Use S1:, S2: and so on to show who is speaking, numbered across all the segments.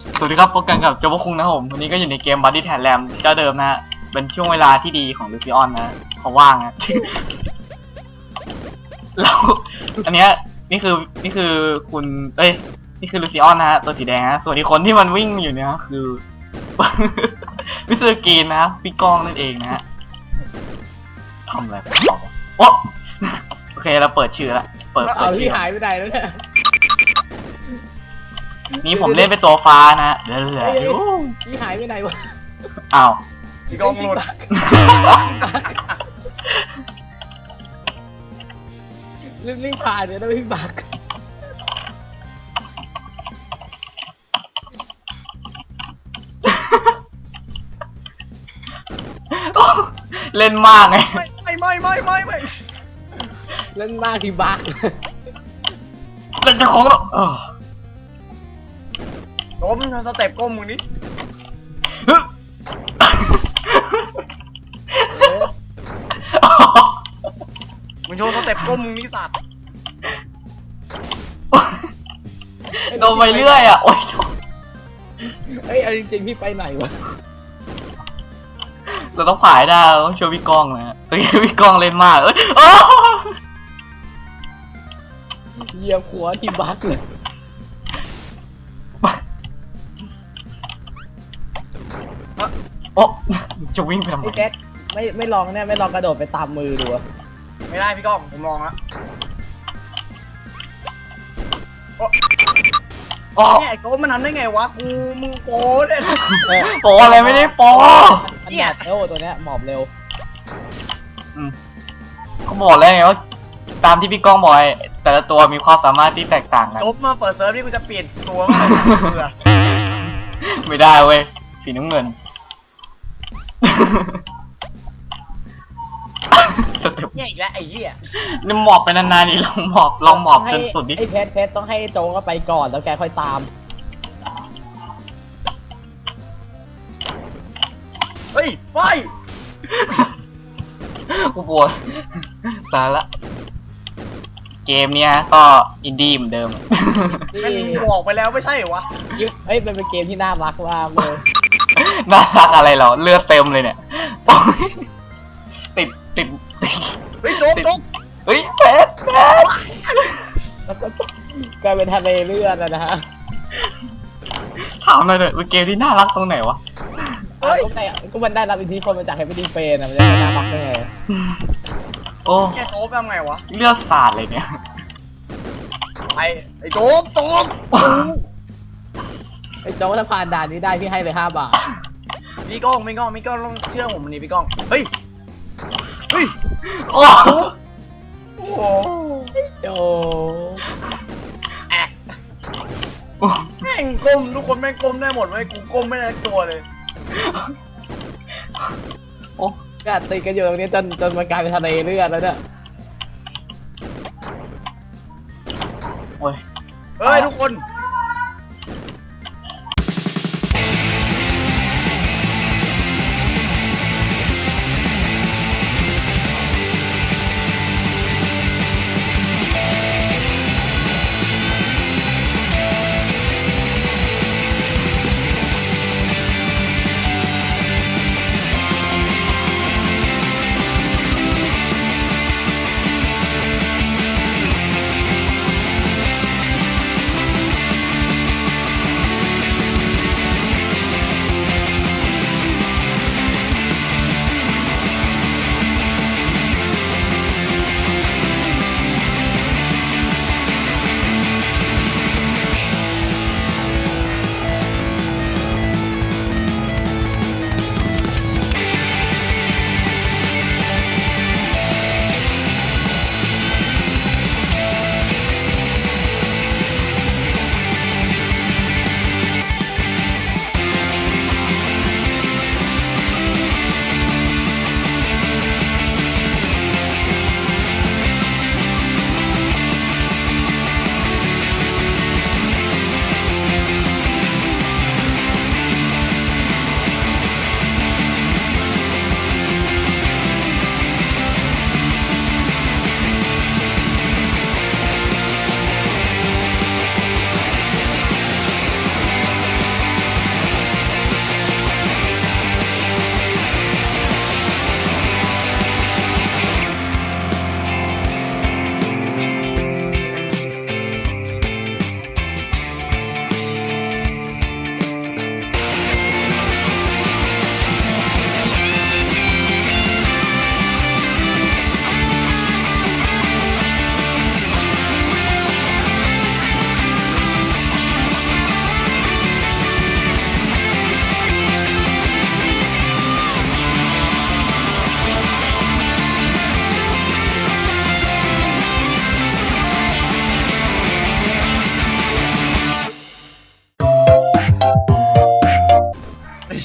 S1: สวัสดีครับพบกันกับโจโบคุงนะครับผมวันนี้ก็อยู่ในเกม Body t a d Ram เจ้าเดิมนะฮะเป็นช่วงเวลาที่ดีของลูซิออนนะเขาว่างนะ แล้วอันเนี้ยนี่คือคุณนี่คือลูซิออนนะฮะตัวสีแดงนะส่วนอีกคนที่มันวิ่งอยู่เนี่ยคือ มิสเตอร์กรีนนะพี่ก้องนั่นเองนะฮะทำอะไรไปต่อโอ้โอเคเราเปิดชื่อละเปิด
S2: เอา
S1: ชื่
S2: ที่
S1: อ
S2: หายไปไหนแล้วเนี่ย
S1: นี่ผมเล่นเป็นตัวฟ้านะเดี๋ยว
S2: ที่หายไปไหนวะ
S1: อ้าว
S3: พี่กองหลุด
S2: รีบผ่านเดี๋ยวต้องพี่บัก
S1: เล่นมากไง
S3: ไม่
S2: เล่นมากที่บัก
S1: เล่นจะของแล้ว
S3: ล้มสเต็ปก้มมึงนี่มึงโชว์สเต็ปก้มมึงนี่สัตว์
S1: โดนไปเรื่อยอ่ะโอ๊ย
S2: เฮ้ยเอาจริงๆพี่ไปไหนวะ
S1: เราต้องผ่ายได้เราต้องช่วยพี่ก้องนะเฮ้ยพี่ก้องเล่นมากเอ้ย
S2: เหยียบหัวที่บักเลย
S1: โอ้จะวิ่งไปทำไม
S2: ไอ้แก๊กไม่ลองเนี่ยไม่ลองกระโดดไปตามมือดูอะ
S3: ไม่ได้พี่กองผมลองละ
S1: โอ้
S3: เนี่ยไอ้โก้มันทำได้ไงวะกูมึงโก้เนี่ย
S1: โปอะไรไม่ได้โป
S2: มันหมอบเร็วตัวเนี้ยหมอบเร็ว
S1: เขาบอกแล้วไงว่าตามที่พี่ก้องบอกแต่ละตัวมีความสามารถที่แตกต่างกัน
S3: จบมาเปิดเซิร์ฟนี่กูจะเปลี่ยนตัวมั้งเบื่อ
S1: ไม่ได้เว้ยสีน้ำเงิน
S3: เนี่ยอีกแล้วไอ้เหี้ย
S1: นี่หมอบไปนานๆนี่ลองหมอบจนสุดดิ
S2: ไอ้เพชรต้องให้โจก็ไปก่อนแล้วแกค่อยตาม
S3: เฮ้ยไป
S1: กูปวดตายละเกมเนี้ยก็อินดี้เหมือนเดิม
S2: ที่
S3: แม่งบอกไปแล้วไม่ใช่เหรอวะ
S2: เฮ้ยมันเป็นเกมที่น่ารักมากเลย
S1: น่ารักอะไรเหรอเลือดเต็มเลยเนี่ยโอ๊ยติด
S3: เฮ้ยโจ๊กโจ๊ก
S1: เฮ้ยเพชร
S2: แล้วก็กลายเป็นทะเลเลือดนะฮะ
S1: ถามหน่อยเถอะเป็นเกมที่น่ารักตรงไหนวะ
S3: เฮ้ย
S2: ก็มันได้รับอิทธิพลมาจากเฮฟวี่ดีเฟนนะมันจะน่ารักได้ไง
S1: โอ้
S3: แกโจ๊กทำไงวะ
S1: เลือดสาดเลยเนี่ย
S3: ไอ้โจ๊กโจ๊ก
S2: ไอ้โจ้ถ้าผ่านด่านนี้ได้พี่ให้เลย5 บาท
S3: พี่ก้องต้องเชื่อผมนี่พี่ก้องเฮ้ย
S1: โอ้
S3: โจ๊กโอ้โห
S2: โจ
S3: แอะแม่งก้มทุกคนแม่งก้มได้หมดเว้ยกูก้มไม่ได้สักตัวเลย
S1: โอ้
S2: ก็ตีกันอยู่ตรงนี้จนมันกลายเป็นทะเลเลือดแล้วเนี่ย
S1: โอ้ย
S3: เฮ้ยทุกคน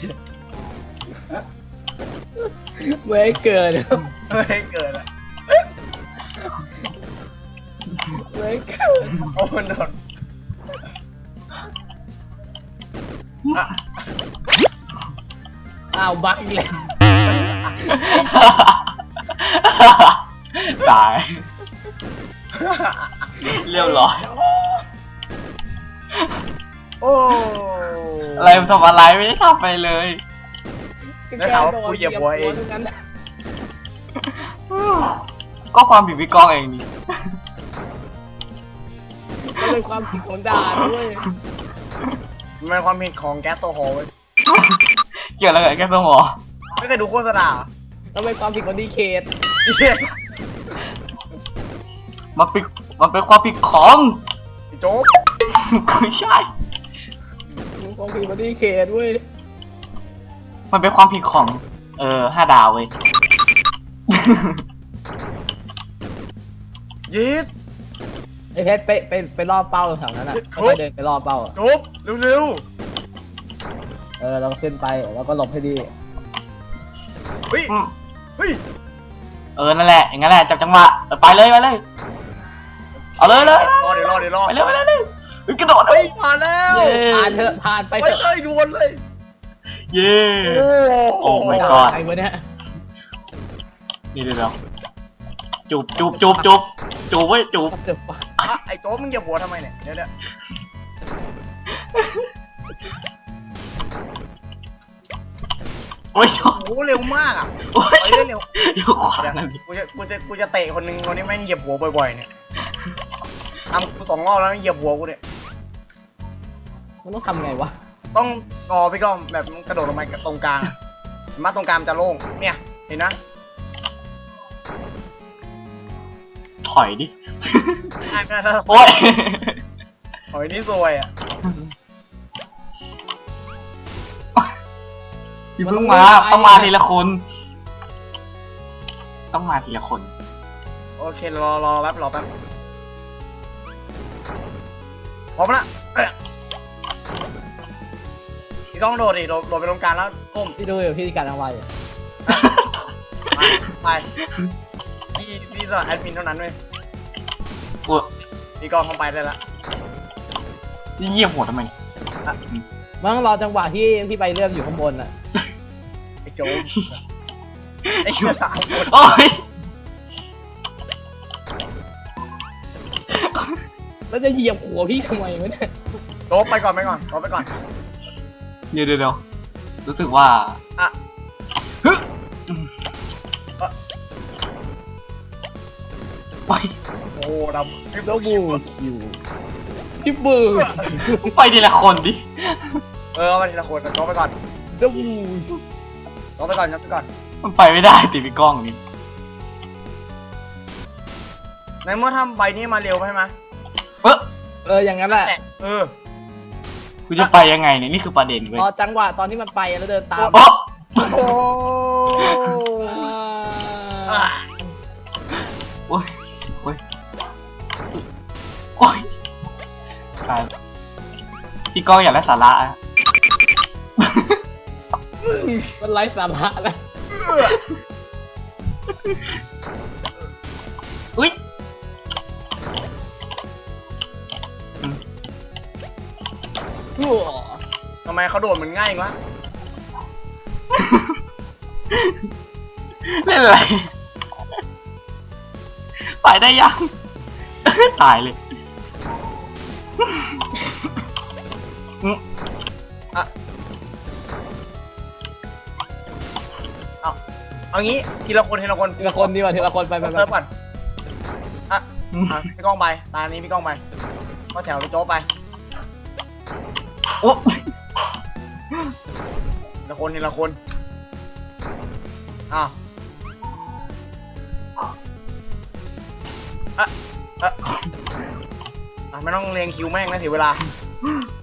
S2: ไม่ให้เกิน
S3: ไม่ให้เกิดอะ
S2: ไม่ให้เกิน
S3: โอ้มันโดนอ่ะ
S2: อ้าวบักอีกแล้ว
S1: ตาย เรียบร้อย
S3: โอ้
S1: อะไรมันทำอะไรไม่ได้ทำไปเลย
S3: ได้ข่าวว่ากูเหยียบหัวเอง
S2: ทั้นั้น
S1: ก็ความผิดพี่กองเองนี่
S2: ก็เป็นความผิดของด่าด้วย
S3: มันเป็นความผิดของแก๊สโซฮอล์เว้ย
S1: เกี่ยวอะไรกับแกสมอ
S3: ไม่เคยดูโฆษณาเหรอ
S2: แล้วเป็นความผิดของดีเคท
S3: เหี้ย
S1: มันเป็นความผิดของ
S3: ไอ้โจ๊ก
S1: ไม่ใช่
S2: เป็นความผิดของดีเคทด้วย
S1: มันเป็นความผิดของ 5 ดาวเว้ย
S3: ยีด
S2: ไอ้เพชรไปรอบเป้าแถวนั้นอ่ะ
S3: โอ้
S2: ค่อยๆเดินไปรอบเป้าอ่ะ
S3: โจ๊กเร็ว
S2: เราก็ขึ้นไปแล้วก็หลบให้ดี
S3: ๆเฮ้ย
S1: อืม
S3: เฮ้ย
S1: นั่นแหละ อย่างนั้นแหละ จับจังหวะไปเลย เอาเลย
S3: รอเดี๋ยวไปเลย
S1: กระโดด
S3: เฮ้ยผ่านแล้ว
S1: เย้
S2: ผ่านเถอะผ่านไป
S3: ไป
S2: เถอะ
S3: เลยด่วนเลย
S1: เย้
S3: โอ้
S1: Oh my
S2: ด่า
S1: god
S2: ใครวะเนี่ย
S1: นี่เดี๋ยวจูบเว้ยจูบ
S2: เดือบปะ
S3: อ่ะไอ้โจ๊กมึงเหยียบหัวทำไมเนี่ยเดี๋ยว
S1: โอ้ย
S3: โอ้โหเร็วมากอ่ะ
S1: โอ้ย
S3: ไปเร็ว
S1: เดี๋ยวขวา
S3: เดี๋ยว
S1: นั่นดิ
S3: กูจะเตะคนหนึ่งคนนี้แม่งเหยียบหัวบ่อยๆเนี่ยทำกู2 รอบแล้วเหยียบหัวกูเนี่ย
S2: มันต้องทำไงวะ
S3: ต้องรอพี่ก้องแบบกระโดดลงไปตรงกลางอะมาตรงกลางจะโล่งเนี่ยเห็นนะ
S1: ถอยดิ
S3: ไม่ได้
S1: โอ้ย
S3: หอยนี่ซวยอ่ะ
S1: พี่เพิ่งมาต้องมาทีละคน ต้องมาทีละคน
S3: โอเครอแป๊บพร้อมละพี่ก้องโดดดิโดดไปตรงกลางแล้วก้ม
S2: พี่ดูอยู่พี่การทำไมอยู่
S3: ไปพี่สอนแอดมินเท่านั้นเว้ย
S1: โอ้ย
S3: พี่ก้องเข้าไปได้ละ
S1: นี่เยี่ยมหัวทำไม
S2: มันต้องรอจังหวะที่ไปเลื่อนอยู่ข้างบนอ่ะ
S3: ไอ้โจ๊กไอ้เหี้ย3 คน
S1: โอ้ย
S2: แล้วจะเหยียบหัวพี่ทำไมวะเนี่ย
S3: โจ๊กไปก่อนโจ๊กไปก่อน
S1: เดี๋ยวรู้สึกว่า
S3: อ่ะ
S1: ฮึโอ้ย
S3: โอ้ดำ
S2: แล้วบูคิวพี่บู
S1: ไปทีละคนดิ
S3: เอาไปทีละคนโจ๊กไปก่อน
S2: แล้วบู
S3: โจ๊กไปก่อนโจ๊กไปก่อน
S1: มันไปไม่ได้ติพี่กล้องนี่
S3: ในเมื่อทำใบนี้มาเร็วใช่ไหม
S2: อย่างนั้นแหละ
S1: กูจะไปยังไงเนี่ยนี่คือประเด็นเว้ย
S2: รอจังหวะตอนที่มันไปแล้วเดินตาม
S1: โอ้
S3: โอ้
S2: อ่า
S1: โอ้ยโอ้ยโอ้ยตายพี่กล้องอยากได้สาระอะ
S2: มันไร้สาระแล้ว
S1: อุ้ย
S3: ทำไมเขาโดดเหมือนง่ายจังวะ
S1: เล่นอะไรไปได้ยัง ตายเลย
S3: เอางี้ทีละคน
S2: ทีละคนดีกว่าทีละคนไป
S3: เซิร์ฟก่อนพี่ก้องไปตานี้พี่ก้องไปก็แถวโจ๊กไป
S1: โอ้
S3: ทีละคนอ้าวไม่ต้องเรียงคิวแม่งนะเสียเวลา